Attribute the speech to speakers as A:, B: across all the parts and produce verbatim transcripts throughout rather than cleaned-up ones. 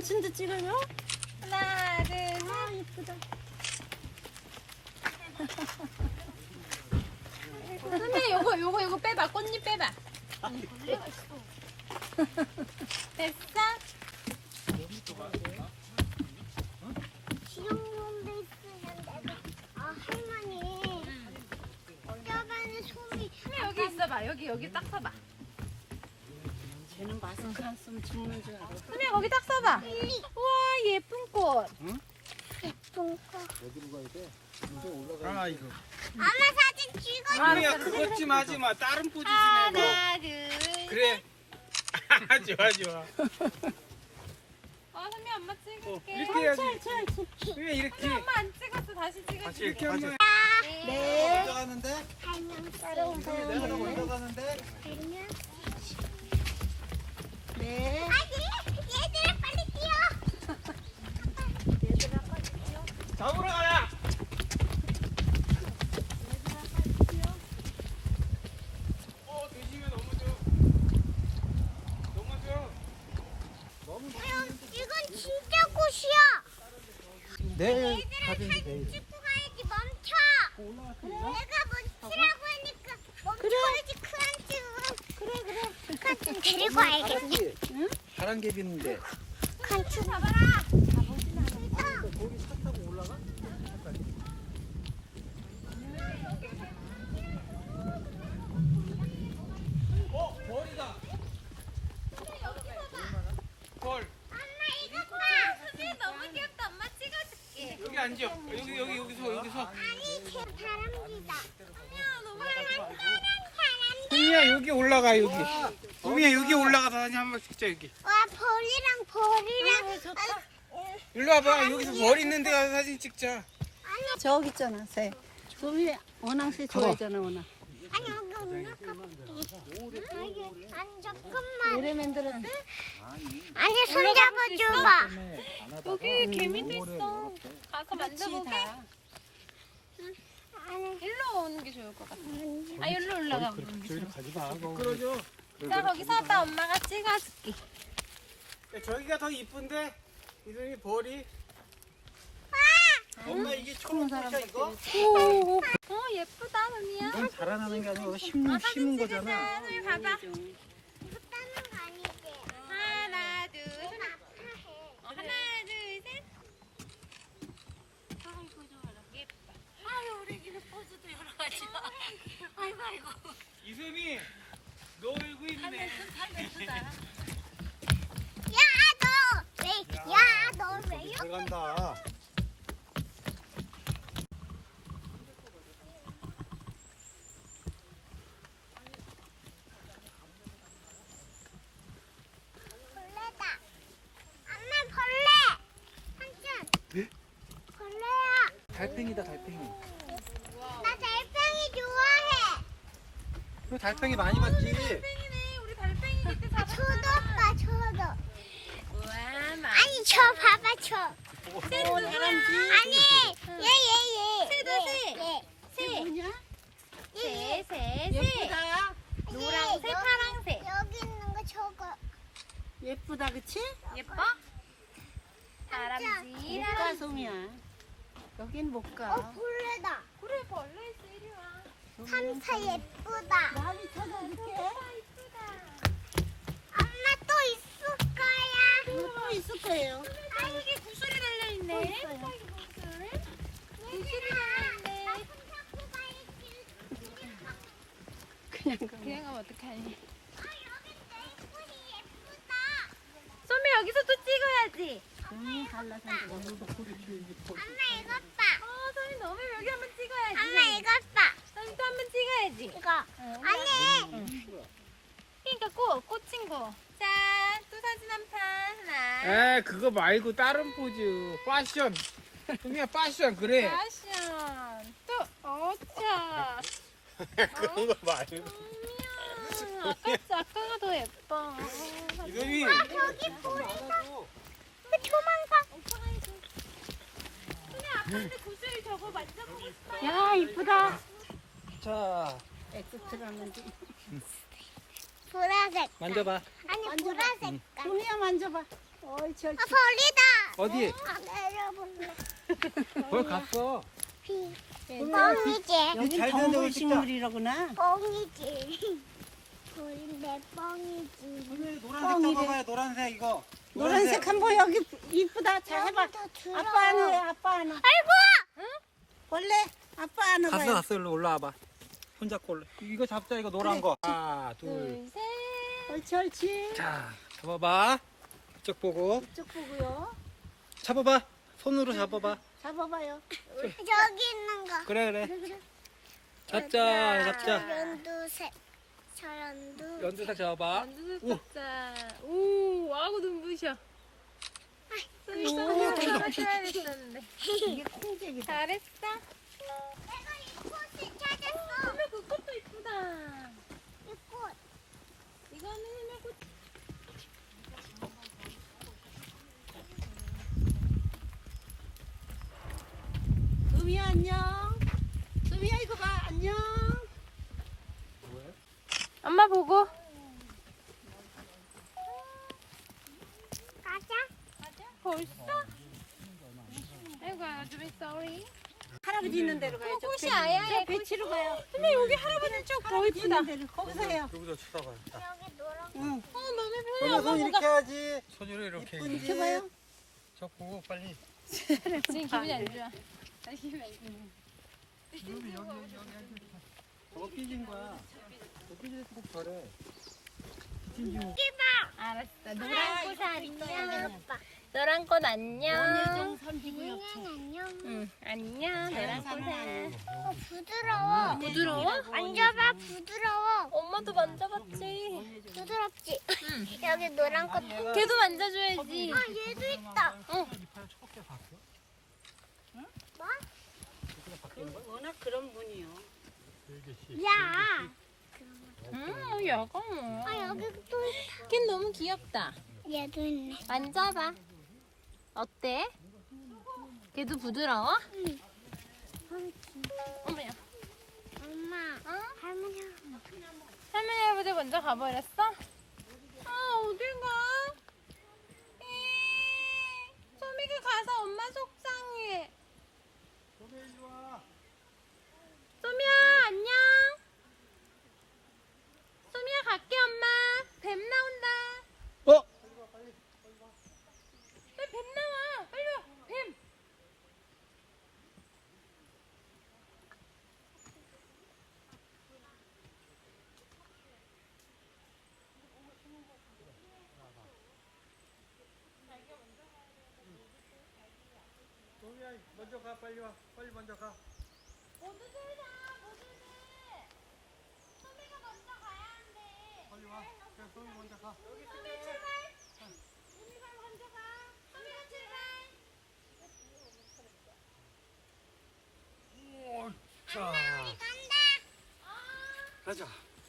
A: 삼촌도 찍어요?
B: 하나, 둘, 셋.
A: 아, 예쁘다.
B: 선배 요거 요거 요거 빼봐. 꽃잎 빼봐. 됐어?
C: 지용놈도 있으면 내가 아 할머니 뼈반에 솜이
B: 선배 여기 있어봐. 여기 여기 딱 서봐.
A: 쟤는 마스크 안 쓰면 죽는 줄 알아.
B: 선배 거기 딱 서봐. 우와 예쁜 꽃.
C: 예쁜 거.
D: 어디로 가야 돼? 올라가.
E: 아 이거.
C: 엄마 사진 찍어.
E: 그냥 그것 좀 하지 마. 다른 포즈 좀 해봐.
B: 하나, 둘.
E: 그래. 좋아 좋아.
B: 어 선배 엄마 찍을게.
E: 이렇게 해야지.
A: 찰찰.
E: 그래 이렇게.
B: 선배 엄마 안 찍었어. 다시 찍을게.
E: 같이 이렇게 한번.
A: 네.
D: 먼저 가는데?
C: 달면
A: 따라오세요.
D: 내가 먼저 가는데?
C: 달면.
A: 네.
C: 아니 얘들아 빨리 뛰어.
A: 얘들아 빨리 뛰어.
E: 잡으러 가라. 어 대신에 넘어져. 넘어져.
C: 이건 진짜 꽃이야.
D: 내일
C: 얘들아
D: 사진
C: 사진
D: 내일.
C: 찍고 가야지 멈춰. 내가 멈추라고 하니까 멈춰야지 큰 좀. 그래 그래. 큰좀 데리고 와야겠네.
D: 응? 파란개 비는데.
C: 큰좀 잡아라.
D: 거기 차 타고 올라가?
E: 어 벌이다. 벌.
C: 엄마 이거 봐.
B: 선배 너무 귀엽다. 엄마 찍어줄게.
E: 여기 앉아. 여기 여기 여기서 여기서.
C: 아니 제 바람기다.
B: 야 너무
C: 파란 바람기.
E: 동미야 여기 올라가 여기. 동미야 여기 올라가서 사진 한번 찍자 여기.
C: 와 벌이랑 벌이랑.
A: 좋다.
E: 일로 와봐. 여기서 벌 있는 데 가서 사진 찍자.
C: 아니
A: 저기 있잖아, 새. 소미 원앙새 좋아하잖아, 원앙.
C: 아니 여기 올라가. 아니 잠깐만.
A: 노래 만들었대?
C: 아니 손 잡아줘봐.
B: 여기 개미도 있어. 가서
A: 그렇지,
B: 만져보게.
A: 다.
C: 아니
B: 일로 오는 게 좋을 것 같아. 아 일로 올라가 보는 게 좋을 것
D: 가지 마.
E: 끌어줘.
B: 같아. 자 거기 서봐. 엄마가 찍어줄게.
E: 야, 저기가 더 이쁜데? 이름이 벌이. 엄마 이게 초록색이야 이거?
B: 어 예쁘다 선미야.
D: 이건 자라나는 게 아니고 심는, 심은 거잖아.
B: 선미 봐봐.
C: 이거 따는 거 아니지?
B: 하나 둘
C: 손
B: 셋.
C: 아파해.
B: 어, 하나 둘 셋. 아이고 좋아라. 예쁘다. 아유 우리 집에 포즈도 여러 가지야. 아이고 아이고.
E: 이솜이 너 얼굴 있네.
B: 예쁘다.
C: 야 너 왜? 야 너 왜 이렇게?
D: 들어간다.
C: 벌레다. 엄마 벌레. 한준.
D: 네?
C: 벌레야.
D: 달팽이다 달팽이.
C: 나 달팽이 좋아해.
D: 그 달팽이 많이 봤지?
B: 달팽이네. 우리 달팽이 그때
C: 아,
B: 잡았잖아.
C: 저도 오빠 저도.
B: 우와 마.
C: 아니 저 봐봐 저.
A: 어, 사람지.
C: 아니 얘 얘 얘.
B: 새도 새.
C: 얘.
B: 새.
A: 뭐냐?
B: 새, 새, 새.
A: 예쁘다.
B: 노랑새,
C: 여기-
B: 파랑새.
C: 여기 있는 거 저거.
A: 예쁘다, 그치?
B: 예뻐? 다람쥐.
A: 못 가, 소미야. 여긴 못
C: 어
A: 가.
C: 벌레다.
B: 그래 벌레 있어 이리 와.
C: 삼사 예쁘다.
A: 나비 찾아줄게.
C: 엄마 또 있을 거야.
A: 또 있을 거예요.
B: 아 여기 구슬이 달려
A: 또
B: 있네.
A: 있어요.
C: 얘들아, 나손 잡고 가야지.
A: 그냥 가.
B: 그냥 가면 어떡하니?
C: 아 여기 내 꿀이 예쁘다.
B: 선배 여기서 또 찍어야지.
A: 소미 갈라서
C: 엄마 이것 봐.
B: 어 선배 너무 여기 한번 찍어야지.
C: 엄마 이것 봐.
B: 선배 또 한번 찍어야지.
C: 이거. 아니.
B: 그러니까 꽃, 꽂힌 거. 자, 또 사진 한 판. 하나.
E: 에 그거 말고 다른 포즈. 패션. 동미야 패션 그래.
B: 패션. 또, 어차.
E: 그런 거 말고.
B: 음, 아까, 아까가 더 예뻐.
E: 이솜이.
C: 저기 꿀이다. 도망가.
B: 오빠가 해줘. 근데 아빠한테 구슬 저거 만져보고 싶어요.
A: 야, 이쁘다.
D: 자,
A: 엑스트라는지.
C: 보라색.
D: 만져봐.
C: 아니
A: 만져봐.
C: 보라색.
A: 소미야, 만져봐. 어이 저
C: 아 벌이다.
E: 어디?
C: 아 내려볼래.
E: 거기 갔어.
C: 비.
D: 소미야,
C: 뻥이지.
A: 여기
D: 잘 되는 데로
A: 동물식물이라구나.
C: 뻥이지. 벌인데 뻥이지.
D: 소미 노란색
A: 뻥이래.
D: 잡아봐요. 노란색 이거.
A: 노란색 한번 여기 이쁘다. 잘 해봐.
C: 여기도 들어.
A: 아빠 안해 아빠 안아.
C: 아이고.
A: 원래 아빠 안아
D: 갔어
A: 봐요.
D: 갔어. 일로 올라와봐. 손잡고 올라. 이거 잡자 이거 노란 거. 하나 둘.
B: 둘, 셋.
A: 옳지 옳지.
D: 자 잡아봐. 이쪽 보고.
A: 이쪽 보고요.
D: 잡아봐. 손으로 잡아봐.
A: 잡아봐요.
C: 저기 있는 거.
D: 그래 그래.
A: 그래 그래.
D: 잡자 잡자.
C: 연두색. 저 연두.
D: 연두색 잡아봐.
B: 연두색 잡자. 오, 아구 눈부셔. 손이
D: 오,
B: 손으로
D: 터져.
B: 맞춰야 됐었는데.
A: 이게 콩잼이다.
B: 잘했어.
C: 내가 이 꽃을 찾았어.
B: 선배 그 꽃도 이쁘다.
C: 이 꽃.
B: 이거는 해물꽃.
A: 수미야 안녕. 수미야 이거 봐 안녕.
B: 엄마 보고.
C: 가자.
B: 벌써? 아이고, 좀 sorry.
A: 할아버지 있는 데로 가요. 저
B: 꽃이
A: 배-
B: 아야해,
A: 저 배치로 가요.
B: 근데 여기 할아버지 쪽 더
A: 할아버지
B: 이쁘다.
A: 있는 데로 거기서 해요.
D: 여기다 쳐다봐.
C: 여기 노란.
A: 응.
B: 어, 마음에 편해.
D: 손
B: 엄마
D: 이렇게
B: 보고.
D: 해야지. 손으로 이렇게.
A: 이쁜지. 해봐요.
D: 저 보고 빨리.
B: 지금 기분이 안 좋아. 나 기분이 안 좋아.
D: 저거 삐진 거야. 저 삐질 때 꼭 저래.
B: 알았어.
A: 아,
B: 노란 꽃
A: 이거
B: 안녕.
C: 오빠.
B: 노란 꽃 안녕.
A: 원예종 선지구역체.
C: 안녕.
B: 응, 안녕. 노란 꽃아.
C: 어 부드러워.
B: 부드러워?
C: 만져봐 부드러워.
B: 엄마도 만져봤지.
C: 부드럽지. 여기 노란 꽃.
B: 걔도 만져줘야지.
C: 아 얘도 있다.
B: 어.
C: 뭐?
A: 워낙 그런 분이요.
C: 야.
B: 음, 야가 뭐.
C: 아 여기 또 있다.
B: 걔 너무 귀엽다.
C: 얘도 있네.
B: 만져봐. 어때? 걔도 부드러워?
C: 응.
B: 어머야.
C: 엄마. 할머니.
B: 할머니 할아버지 먼저 가버렸어? 아, 어딜 가? 에이, 소미가 가서 엄마 속상해. 소미야, 안녕. 소미야, 갈게, 엄마. 뱀 나온다.
D: 어?
B: 빨리 뱀 나와. 빨리 와. 뱀.
D: 소미야 먼저 가 빨리 와. 빨리 먼저 가.
B: 모두들 다, 모두들. 소미가 먼저 가야 한대.
D: 빨리 와. 그래 소미 먼저 가.
B: 소미 출발. 소미가 먼저 가. 소미가 출발.
D: 오, 자.
C: 간다.
D: 가자.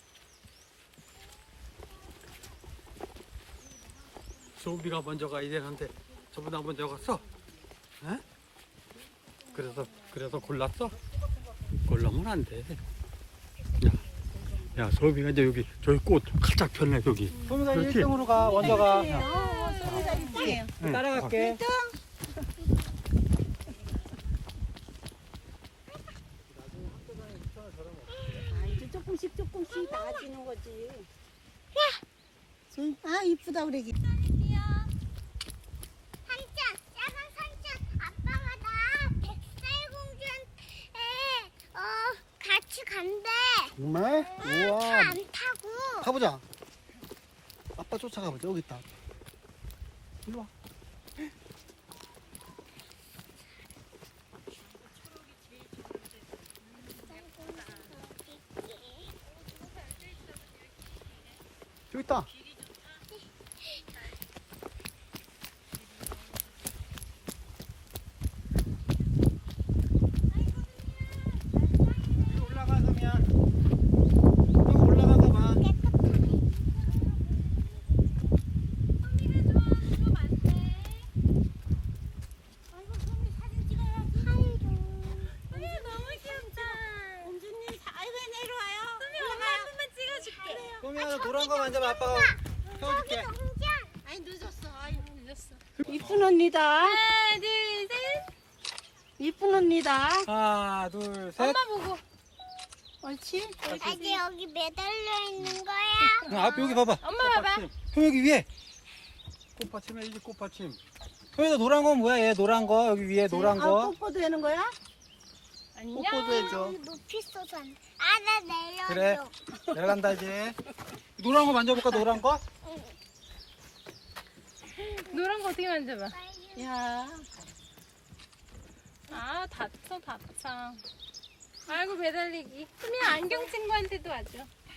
D: 소비가 먼저 가야 되는데 저보다 먼저 갔어? 에? 그래서 그래서 골랐어? 골라면 안 돼. 야, 야 소비가 이제 여기 저기 꽃 가짝 폈네 저기. 소미가 일 등으로 가. 먼저 가.
A: 어, 소미가 이쁘게요.
D: 따라갈게.
A: 아, 이제 조금씩 조금씩 나아지는 거지. 야! 아, 이쁘다, 우리 애기.
C: 삼촌, 작은 삼촌, 아빠가 나 백설공주한테 어 같이 간대.
D: 정말?
C: 차 안 타고.
D: 가보자. 아빠 쫓아가보자. 여기 있다. 일로 와. 저기 있다. 여기 올라가서 미안. 여기 올라가서 봐.
B: 소미가 좋아하는 거 많네.
A: 아이고, 소미 사진 찍어야지.
B: 소미가 너무 귀엽다.
A: 공주님, 사- 아이고, 내려와요.
B: 소미 엄마 한 번만 찍어줄게.
D: 소미야 노란 거 만져봐. 아빠가 펴줄게.
C: 공주.
A: 아니, 늦었어. 아이고.
B: 해줬어.
A: 이쁜 언니다.
B: 하나, 둘, 셋.
A: 이쁜 언니다.
E: 하나, 둘, 셋.
B: 엄마 보고.
A: 옳지?
C: 아직 여기 매달려 있는 거야?
E: 아, 여기 봐봐.
B: 엄마 봐봐.
E: 형 여기 위에.
D: 꽃받침에 이게 꽃받침.
E: 형이 노란 건 뭐야? 얘 노란 거 여기 위에 노란
A: 아,
E: 거.
A: 뽀뽀도 되는 거야?
B: 안녕.
E: 뽀뽀도 해줘.
C: 여기 높이 쏘서 안 돼. 아, 나 내려줘.
E: 그래. 내려간다 이제. 노란 거 만져볼까? 노란 거?
B: 노란 거 어떻게 만져봐?
A: 야,
B: 아, 다쳐, 다쳐. 아이고, 매달리기. 수미야, 안경 친구한테도 와줘.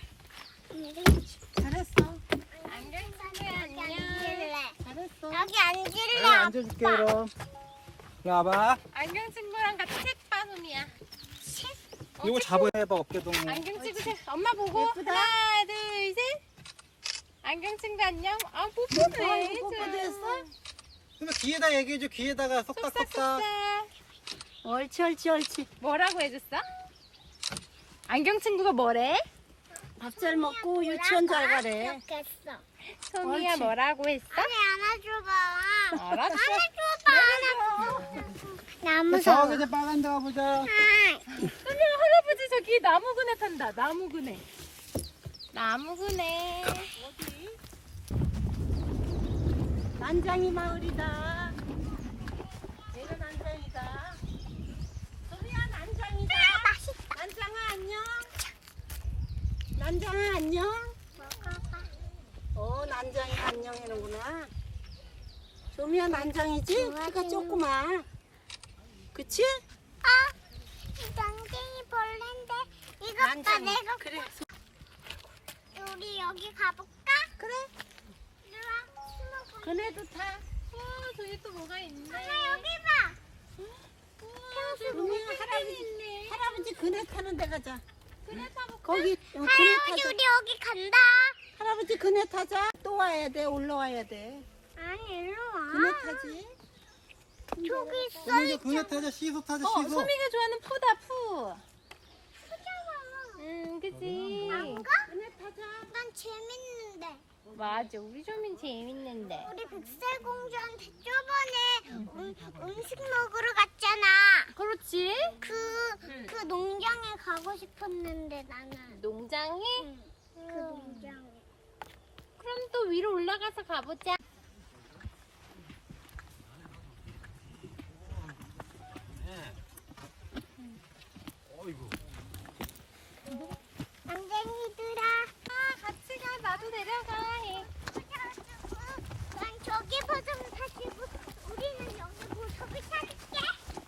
A: 잘했어.
B: 안경 친구야,
C: 여기
B: 안녕.
C: 앉을래.
A: 잘했어.
C: 여기 앉을래.
E: 그래, 앉아줄게 그럼. 이리 와봐.
B: 안경 친구랑 같이 책 봐, 수미야.
E: 이거 잡아해봐 어깨 동무.
B: 안경 친구 책. 엄마 보고.
A: 예쁘다.
B: 하나, 둘, 셋. 안경 친구 안녕. 아, 뽀뽀도 해.
A: 아이고, 뽀뽀도 했어?
E: 그러면 귀에다 얘기해줘. 귀에다가 속닥속닥.
B: 쏙싹쏙싹.
A: 옳지, 옳지, 옳지.
B: 뭐라고 해줬어? 안경 친구가 뭐래?
A: 밥 잘 먹고 유치원 잘 가래.
C: 좋겠어.
B: 소미야
A: 옳지.
B: 뭐라고 했어?
C: 아니, 안아줘봐.
B: 알았어.
C: 안아줘봐, 안아줘. 나 무서워.
E: 저기 이제 빨간 데 가보자.
B: 소미야 할아버지 저기 나무 그네 탄다. 나무 그네. 나무 그네.
A: 난장이 마을이다. 얘는 난장이다. 소미야, 난장이다.
C: 맛있다.
A: 난장아, 안녕. 난장아, 안녕.
C: 먹어봐.
A: 어, 난장이 안녕이는구나. 소미야, 난장이지?
C: 좋아지는-
A: 키가 조그마. 그치?
C: 아, 이 난쟁이 벌레인데. 이것 봐,
A: 난장이.
C: 내가.
A: 그래.
C: 우리 여기 가볼까?
A: 그래.
C: 이리 와. 숨어봐.
A: 그네도 타.
B: 어 저기 또 뭐가 있네.
C: 하나 여기 봐.
B: 우와 저기
A: 소미야,
B: 뭐가
A: 할아버지,
B: 있네.
A: 할아버지 그네 타는 데 가자.
B: 그네 타볼까?
A: 거기 어, 그네
C: 할아버지,
A: 타자.
C: 우리 여기 간다.
A: 할아버지 그네 타자. 또 와야 돼. 올라와야 돼.
C: 아니, 일로 와.
A: 그네 타지.
C: 저기 있어.
E: 그럼 이제 그네 타자. 시소 타자.
B: 어
E: 시소.
B: 소미가 좋아하는 푸다 푸.
C: 크잖아.
B: 응 그치.
C: 안 가?
A: 그네 타자.
C: 난 재밌는데.
B: 맞아 우리 조민 재밌는데.
C: 우리 백설공주한테 저번에 음, 음식 먹으러 갔잖아.
B: 그렇지.
C: 그,
B: 응.
C: 그 농장에 가고 싶었는데 나는.
B: 농장에?
C: 응. 그 농장에.
B: 그럼 또 위로 올라가서 가보자.
D: 어이구.
C: 남쟁이들아.
B: 아 같이 가 나도 내려가 해.
C: 난 저기 버전 타시고 우리는 여기 보석을 찾을게.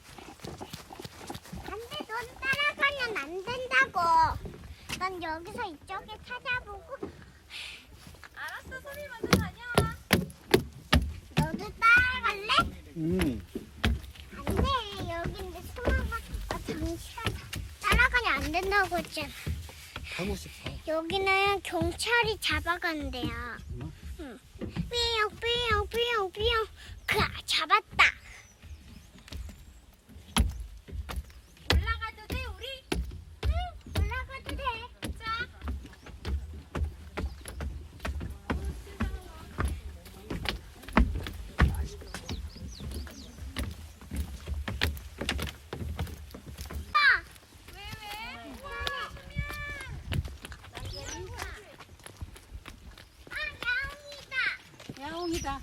C: 안돼, 넌 따라가면 안 된다고. 난 여기서 이쪽에 찾아보고.
B: 알았어 소미 먼저 다녀와.
C: 너도 따라갈래?
E: 음.
C: 안돼, 여긴데 숨어봐. 아, 잠시만. 따라가면 안 된다고 했잖아.
E: 가고 싶어.
C: 여기는 경찰이 잡아간대요.
E: 응?
C: 응. 삐용 삐용 삐용 삐용. 그 잡았다.
B: 올라가도 돼 우리?
C: 응, 올라가도 돼.
B: 자.
C: 아,
B: 왜 왜?
C: 아, 야옹이다.
A: 야옹이다.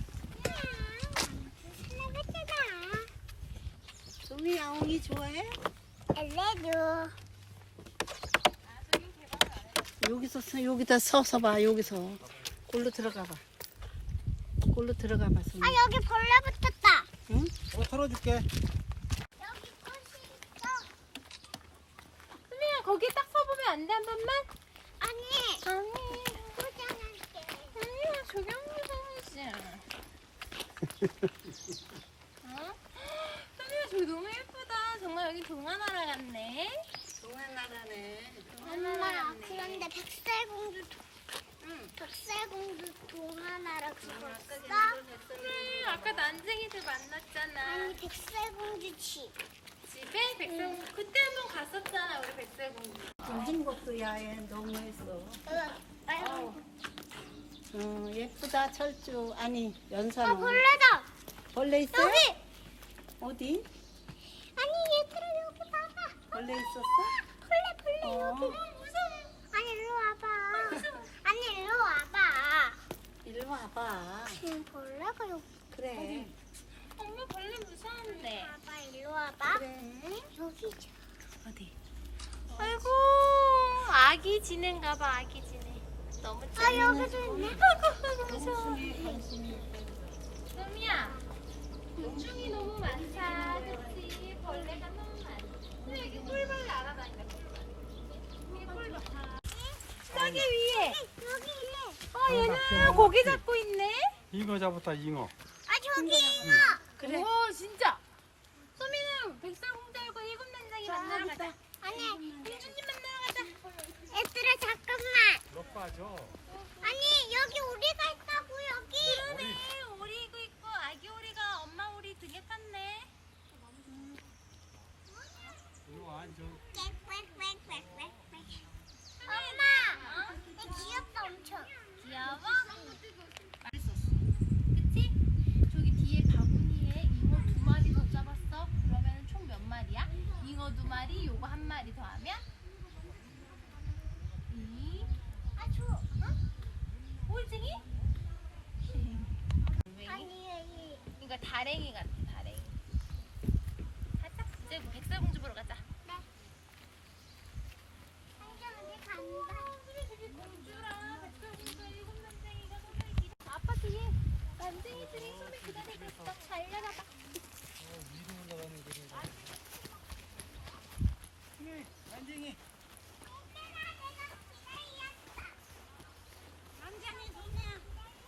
C: 슬래그잖아.
A: 소미 야옹이 좋아해?
C: 엘레도.
A: 여기서 서, 여기다 서서 봐. 여기서. 골로 들어가 봐. 골로 들어가 봐. 소미.
C: 아, 여기 벌레 붙었다.
A: 응?
E: 어, 털어줄게.
C: 여기 꽃이 있어.
B: 수미야 거기 딱 서보면 안 돼 한 번만?
C: 아니,
B: 아니
C: 포장할게.
B: 아니야 조경무 선수야. 어? 수미야 저기 너무 예쁘다. 정말 여기 동화나라 같네.
A: 동안나라네.
C: 엄마, 그런데 백설공주, 도- 응, 백설공주 동화나라 그거 있어?
B: 그래 아까 난쟁이들 만났잖아.
C: 아니, 백설공주 집.
B: 집에 백설공주 그때 한번 갔었잖아 우리 백설공주.
A: 요즘 것도 야해 너무했어.
C: 아이고,
A: 어, 예쁘다 철쭉. 아니 연산어.
C: 아 벌레다.
A: 벌레 있어요?
C: 여기.
A: 어디?
C: 아니 얘들아 여기 봐봐.
A: 벌레 있었어?
C: 벌레 벌레
A: 어.
C: 여기. 무서워. 아니 일로 와봐. 아니 일로 와봐.
A: 일로 와봐.
C: 지금 벌레가 여기.
A: 그래.
B: 엄마 벌레 무서운데.
C: 봐봐 일로 와봐.
A: 그래.
C: 응? 여기 있잖아.
A: 어디?
B: 아이고 아기 지는가 봐 아기 지네. 너무
C: 아
B: 재밌네.
C: 여기도 있네.
B: 아이고 무서워. 소미야 곤충이 너무 많다. 그치? 벌레가 너무 많아. 근데 여기 꿀벌 날아다닌다. 꿀벌. 여기 꿀벌. 저기 위에.
C: 여기 있네.
B: 어 얘는 고기 잡고 있네.
D: 잉어 잡았다 잉어.
C: 아 저기 있어.
A: 그래.
B: 오 진짜. 소미는 백설공주하고 일곱 난장이 만나러 가자.
C: 아니
B: 공주님 만나러 가자.
C: 얘들아 잠깐만.
D: 몇 빠져?
C: 아니 여기 오리가 있다고 여기.
B: 그러네. 오리고 있고 아기 오리가 엄마 오리 등에 탔네.
D: 이거 완전.
C: 엄마, 얘 귀엽다 엄청.
B: 귀여워? 맛있었어. 그치? 저기 뒤에 바구니에 잉어 두 마리 더 잡았어. 그러면 총 몇 마리야? 잉어 두 마리, 요거 한 마리 더 하면? 이.
C: 아 줘. 어?
B: 올챙이?
C: 아니 여기.
B: 이거 다랭이 같아, 다랭이. 가자. 이제 백설공주 보러 가자.
C: 한정이 간다.
B: 공주랑 백설공주 일곱 난쟁이가 소미를 기다. 아빠 뒤에 난쟁이들이 소미 기다리고 있어. 잘 열어봐.
E: 난쟁이.
C: 난장이 소미야.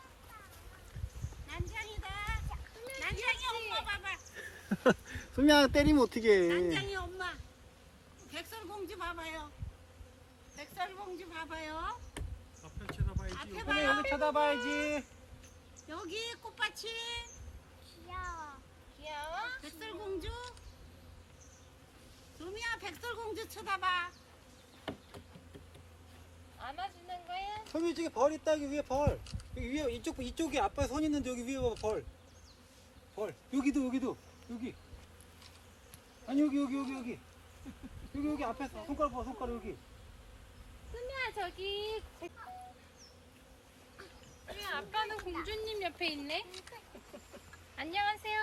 C: 난장이다. 난장이 엄마 봐봐.
D: 소미야 때리면 어떡해.
A: 난장이 엄마. 백설공주 봐봐요. 백설공주 봐봐요.
D: 앞에 쳐다봐야지.
A: 앞에
E: 소미
A: 봐요.
E: 여기 쳐다봐야지.
A: 여기 꽃밭이
C: 귀여워.
B: 귀여워?
A: 백설공주. 소미야 백설공주 쳐다봐.
B: 안아주는 거야?
E: 소미 저기 벌 있다 여기 위에 벌. 여기 위에 이쪽 이쪽에 아빠 손 있는데 여기 위에 봐봐 벌. 벌. 여기도 여기도 여기. 아니 여기 여기 여기 여기. 여기 여기 앞에 손가락 봐 손가락 여기.
B: 수미야 저기 수미야 아빠는 공주님 옆에 있네. 안녕하세요.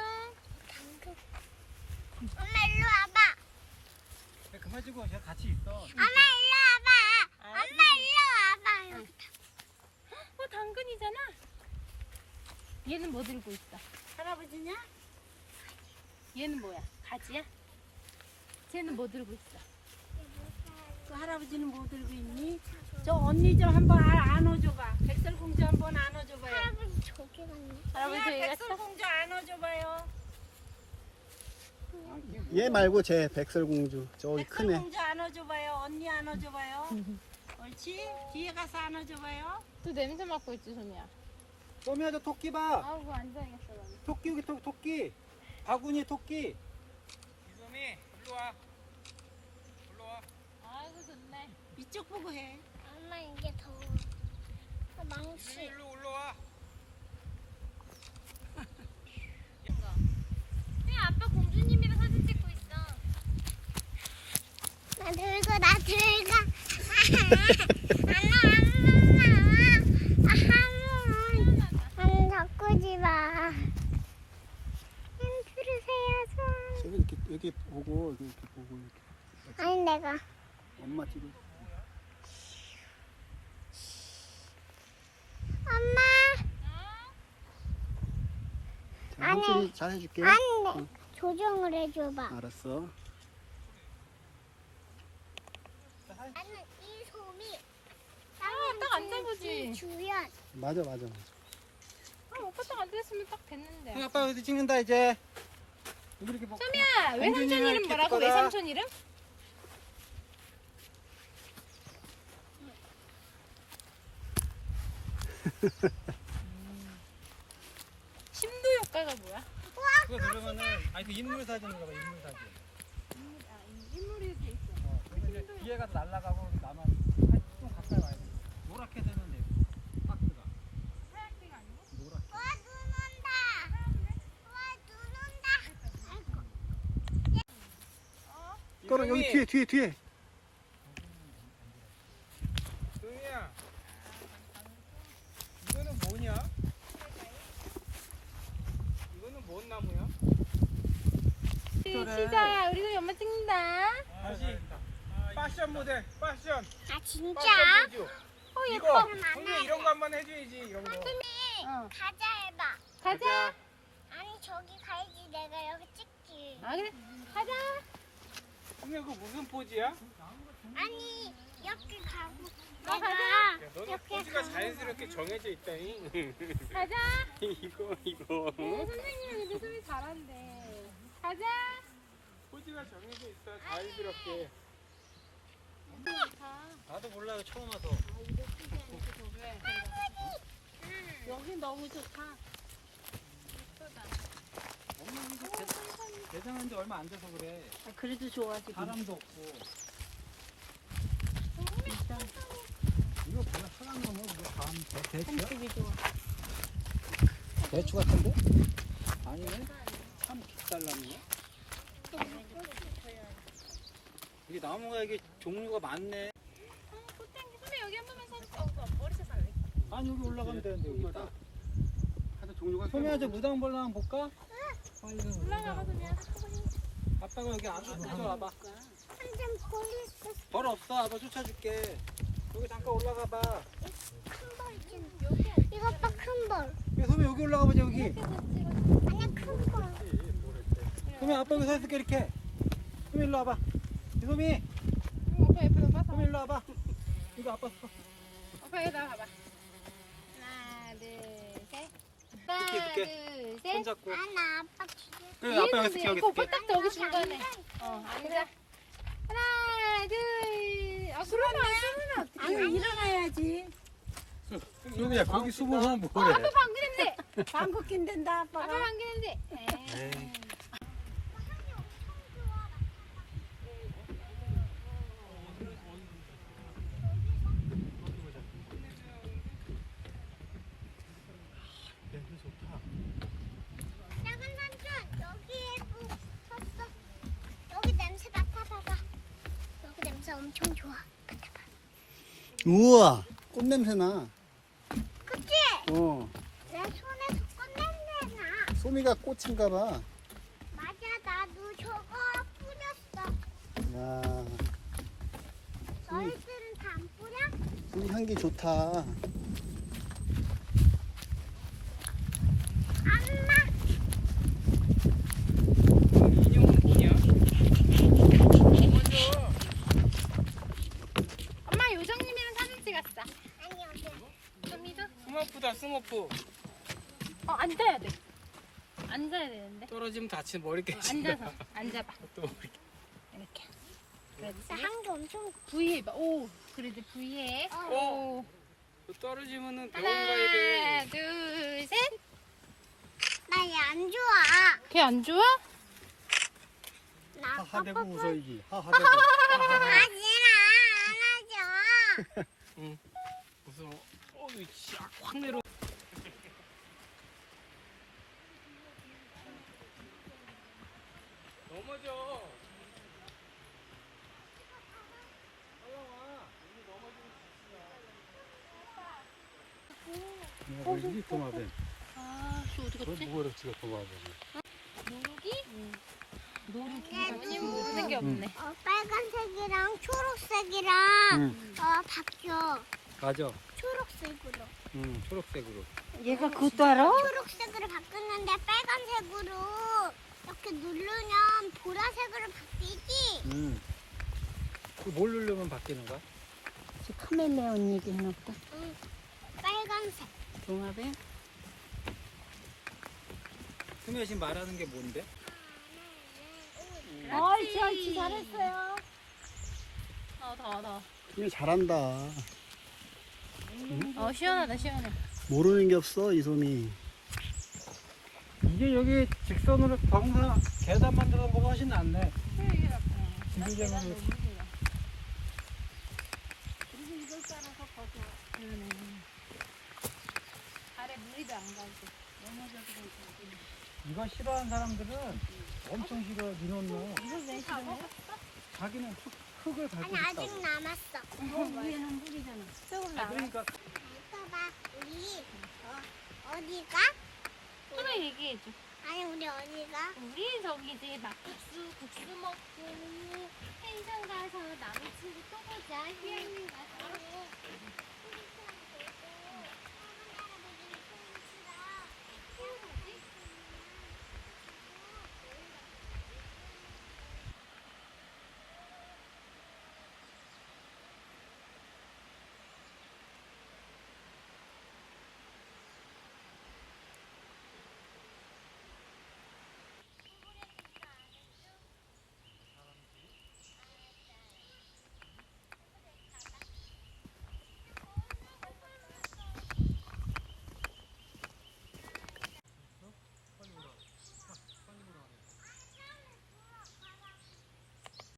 C: 엄마 일로 와봐.
E: 야, 그만 주고 제가 같이 있어.
C: 엄마 일로 와봐. 엄마 일로 와봐. 여기.
B: 어 당근이잖아. 얘는 뭐 들고 있어?
A: 할아버지냐?
B: 얘는 뭐야? 가지야? 쟤는 뭐 들고 있어?
A: 그 할아버지는 뭐 들고 있니? 저 언니 좀 한번 아- 안아줘봐. 백설공주 한번 안아줘봐요.
C: 할아버지 저기 갔네.
B: 할아버지
A: 소미야,
B: 저기 갔어?
A: 백설공주 안아줘봐요.
F: 얘 말고 쟤 백설공주 저기 크네.
A: 백설공주 안아줘봐요. 언니 안아줘봐요. 옳지? 뒤에 가서 안아줘봐요.
B: 또 냄새 맡고 있지 소미야.
E: 소미야 저 토끼 봐.
B: 아우 그거 앉아야겠어 나는.
E: 토끼 여기 토, 토끼. 바구니 토끼. 이소미 일로 와. 일로 와.
B: 아이고 좋네.
A: 이쪽 보고 해.
C: 엄마 이게 더워. 아, 망치.
E: 일로 올라와.
B: 네 아빠 공주님이랑 사진 찍고 있어.
C: 나 들고 나 들고. 엄마 엄마. 안 바꾸지 마. 힌트를 세야죠.
F: 저기 이렇게 여기 보고 여기 이렇게 보고 이렇게
C: 아니 내가.
F: 엄마 뒤로.
C: 엄마.
F: 자,
C: 아니.
F: 삼촌이 잘 해줄게.
C: 안돼. 조정을 해줘봐.
F: 알았어.
C: 나는 이 솜이.
B: 아, 딱 앉아보지.
C: 주연.
F: 맞아 맞아.
B: 아 오빠 딱 앉았으면 딱 됐는데.
E: 아빠 어디 찍는다 이제. 여기 이렇게 봐.
B: 소미야 외삼촌
E: 공주님이랑
B: 이름 뭐라고?
E: 이렇게
B: 외삼촌 이름? 심도 효과가 뭐야?
E: 그거 누르면은 아니 그 인물 사진인가 봐 인물 사진.
B: 인물이 돼 있어.
E: 어, 그래서 이제 뒤에 가서 날아가고 나만 좀 가까이 와야 돼. 노랗게 되면 돼. 박스가.
F: 떨어 여기 뒤에 뒤에 뒤에.
E: 소미야. 이거는 뭐냐? 이거는 뭔 나무야?
B: 시작. 우리도 연말 찍는다.
E: 다시 패션 모델, 패션.
C: 아 진짜?
E: 패션 보여줘.
B: 어
E: 이거
B: 예뻐.
E: 소미 이런 거 한번 해줘야지 이런 거.
C: 소미
B: 어.
C: 가자 해봐.
B: 가자.
C: 아니 저기 가야지 내가 여기 찍지.
B: 아 그래. 가자.
E: 소미 그거 무슨 포즈야?
C: 아니 여기 가고
B: 어,
C: 내가
E: 야, 너는
C: 이렇게
E: 포즈가
C: 가고.
E: 자연스럽게 정해져 있다니.
B: 가자.
E: 이거 이거.
B: 네, 선생님은 근데 소리 잘한대. 가자.
E: 포즈가 정해져 있어 자연스럽게.
D: 나도 몰라요 처음 와서.
A: 여기 너무 좋다.
E: 엄마 이거 대- 대장한 지 얼마 안 돼서 그래.
A: 아, 그래도 좋아 지금.
E: 사람도 없고.
A: 일단
E: 이거 별로 사람 넘어 이거 다음 대 대추야?
A: 산책이 좋아.
E: 대추 같은데? 아니네. 참 깃달나무네. 이게 나무가 이게 종류가 많네.
B: 선배 여기 한 번만 서주세요. 어, 머리 쳤을래.
E: 아니 여기 올라가면 되는데 여기 딱.
F: 하여튼 종류가
E: 소미야 저 무당벌레 한번 볼까?
B: 올라가봐 소미야.
E: 아빠가 여기 안 쫓아와봐.
C: 한점 보였어.
E: 벌 없어. 아빠 쫓아줄게. 여기 잠깐 올라가 봐.
C: 큰벌 있잖아. 이거 봐 큰 벌.
E: 야, 소미 여기 올라가 보자 여기.
C: 아니 큰 벌.
E: 소미 아빠 여기 서 있을게 이렇게. 소미 일로 와봐. 소미.
B: 오빠 옆에서 봐서.
E: 소미 일로 와봐. 이거 아빠 서.
B: 오빠 여기 나와봐. 하나 둘 셋. 하나
E: 이렇게,
B: 둘
E: 손
B: 셋.
E: 잡고.
C: 아나 아빠 기대.
E: 그래 아빠 여기 있을게 여기
B: 오빠
E: 있을게.
B: 딱 저기 중간에. 어 앉아. 하나 둘. 아 그러면 안
A: 아니 일어나야지.
D: 소미야 거기 숨으면
B: 어,
D: 뭐래?
B: 아빠 방귀 냄새.
A: 방귀 낀댄다
B: 아빠
A: 아빠가.
B: 방귀 냄새.
D: 에이. 냄새 좋다.
C: 작은 삼촌 여기에 또 섰어. 여기 냄새 맡아봐봐. 여기 냄새 엄청 좋아.
F: 우와 꽃 냄새 나.
C: 그치?
F: 어.
C: 내 손에서 꽃냄새 나.
F: 소미가 꽃인가 봐.
C: 맞아 나도 저거 뿌렸어.
F: 야,
C: 너희들은 다 안 뿌려?
F: 소미 향기 좋다.
C: 엄마.
E: 인형은 뭐냐? 먼저.
B: 엄마 요정님이랑 사진 찍었어.
C: 아니 어디?
B: 소미도?
E: 스머프다 스머프.
B: 어 앉아야 돼. 앉아야 되는데.
E: 떨어지면 다친 머리
B: 어,
E: 깨지.
B: 앉아서 앉아봐.
E: 또 머리
B: 이렇게.
C: 나
B: 그렇지.
C: 한개 엄청.
B: V 해봐. 오. 그래도 V 해.
C: 어.
B: 오.
E: 또 떨어지면은 병원 가야 돼.
B: 하나 둘 셋.
C: 나 얘 안 좋아.
B: 걔 안 좋아?
C: 나
F: 하하대고
C: 뽀뽀뽀.
F: 웃어야지. 하하대고.
C: 하지마 안 하죠.
E: 무서워. 어우 쫙 확 내려. 넘어져.
F: 뭐지 도마뱀.
B: 아, 저 어디 갔지?
F: 뭐라 지가 도마뱀.
B: 노루기?
C: 얘
B: 무슨 게 없네.
C: 어, 빨간색이랑 초록색이랑
F: 응.
C: 어 바뀌어.
E: 맞아.
C: 초록색으로.
E: 응 초록색으로.
A: 얘가 그것도 알아?
C: 초록색으로 바뀌었는데 빨간색으로 이렇게 누르면 보라색으로 바뀌지.
E: 응. 그뭘 누르면 바뀌는 거야?
A: 저 카멜레온 얘기하나 보다.
C: 응. 빨간색.
A: 동화뱀?
E: 수미야 지금 말하는 게 뭔데?
A: 옳지 옳지 잘했어요.
B: 더, 더, 더.
F: 얘 잘한다.
B: 어, 시원하다, 시원해.
F: 모르는 게 없어 이솜이.
E: 이게 여기 직선으로 경사 계단 만들어 놓은 거가 훨씬 낫네. 지그재그로.
A: 그리고 이걸 따라서 더 좋아.
B: 발에 물이도 안 가고.
A: 넘어져도 괜찮아.
E: 이거 싫어하는 사람들은 엄청 싫어 니논노.
A: 이걸 왜 싫어해?
E: 자기는 흙, 흙을 밟고
C: 아니
E: 싶다고.
C: 아직 남았어.
A: 너 위에는 물이잖아.
C: 조금
E: 아, 그러니까
C: 이거 봐, 우리 어, 어디가?
B: 하나 얘기해줘.
C: 아니 우리 어디가?
B: 우리 저기 이제 막국수 국수 먹고 펜션 가서 남친 또 보자. 휴양림 가서.